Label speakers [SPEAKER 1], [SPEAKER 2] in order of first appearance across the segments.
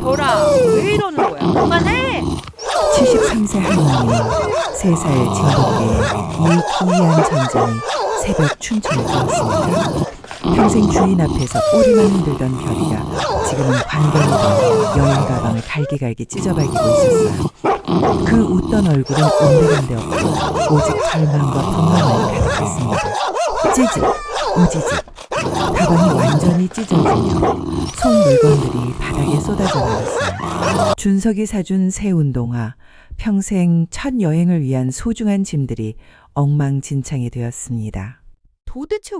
[SPEAKER 1] 별아, 왜 이러는 거야? 그만해!
[SPEAKER 2] 73세 할머니는 3살 진돗개의 이 기이한 전쟁이 새벽 춘천에 들었습니다. 평생 주인 앞에서 꼬리만 흔들던 별이가 지금은 관광으로 여행 가방을 갈기갈기 찢어발기고 있었어요. 그 웃던 얼굴은 온데간데 없고 오직 절망과 분노만 가득했습니다. 찌직, 우지직. 가방이 완전히 찢어지며 속 물건들이 바닥에 쏟아져 나왔어요. 준석이 사준 새 운동화, 평생 첫 여행을 위한 소중한 짐들이 엉망진창이 되었습니다.
[SPEAKER 1] 도대체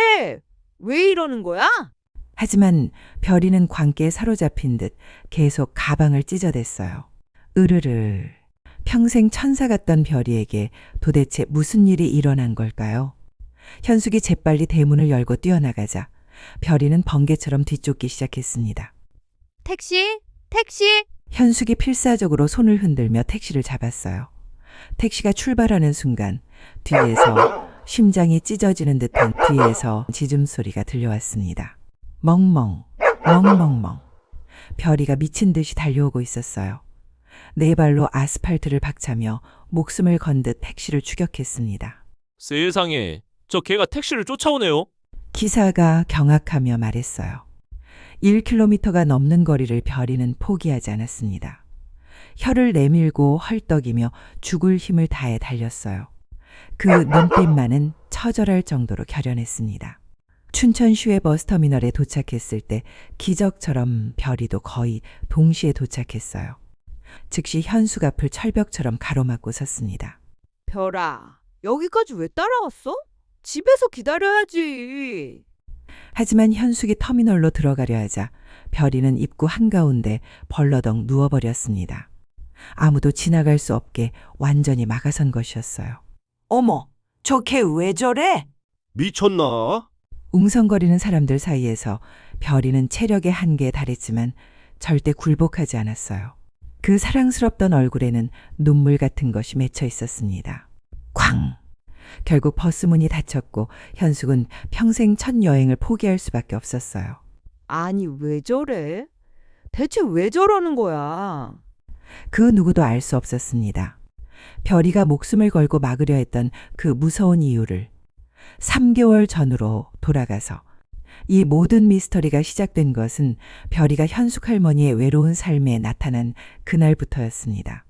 [SPEAKER 1] 왜 이러는 거야?
[SPEAKER 2] 하지만 별이는 광기에 사로잡힌 듯 계속 가방을 찢어댔어요. 으르르. 평생 천사 같던 별이에게 도대체 무슨 일이 일어난 걸까요? 현숙이 재빨리 대문을 열고 뛰어나가자 별이는 번개처럼 뒤쫓기 시작했습니다.
[SPEAKER 1] 택시? 택시?
[SPEAKER 2] 현숙이 필사적으로 손을 흔들며 택시를 잡았어요. 택시가 출발하는 순간 뒤에서 심장이 찢어지는 듯한 뒤에서 짖음소리가 들려왔습니다. 멍멍, 멍멍멍. 별이가 미친 듯이 달려오고 있었어요. 네 발로 아스팔트를 박차며 목숨을 건 듯 택시를 추격했습니다.
[SPEAKER 3] 세상에, 저 개가 택시를 쫓아오네요.
[SPEAKER 2] 기사가 경악하며 말했어요. 1km가 넘는 거리를 별이는 포기하지 않았습니다. 혀를 내밀고 헐떡이며 죽을 힘을 다해 달렸어요. 그 눈빛만은 처절할 정도로 결연했습니다. 춘천 시외 버스터미널에 도착했을 때 기적처럼 별이도 거의 동시에 도착했어요. 즉시 현숙 앞을 철벽처럼 가로막고 섰습니다.
[SPEAKER 1] 별아, 여기까지 왜 따라왔어? 집에서 기다려야지.
[SPEAKER 2] 하지만 현숙이 터미널로 들어가려 하자 별이는 입구 한가운데 벌러덩 누워버렸습니다. 아무도 지나갈 수 없게 완전히 막아선 것이었어요.
[SPEAKER 4] 어머, 저 걔 왜 저래?
[SPEAKER 5] 미쳤나?
[SPEAKER 2] 웅성거리는 사람들 사이에서 별이는 체력의 한계에 달했지만 절대 굴복하지 않았어요. 그 사랑스럽던 얼굴에는 눈물 같은 것이 맺혀 있었습니다. 쾅! 결국 버스 문이 닫혔고 현숙은 평생 첫 여행을 포기할 수밖에 없었어요.
[SPEAKER 1] 아니, 왜 저래? 대체 왜 저러는 거야?
[SPEAKER 2] 그 누구도 알 수 없었습니다. 별이가 목숨을 걸고 막으려 했던 그 무서운 이유를 3개월 전으로 돌아가서 이 모든 미스터리가 시작된 것은 별이가 현숙 할머니의 외로운 삶에 나타난 그날부터였습니다.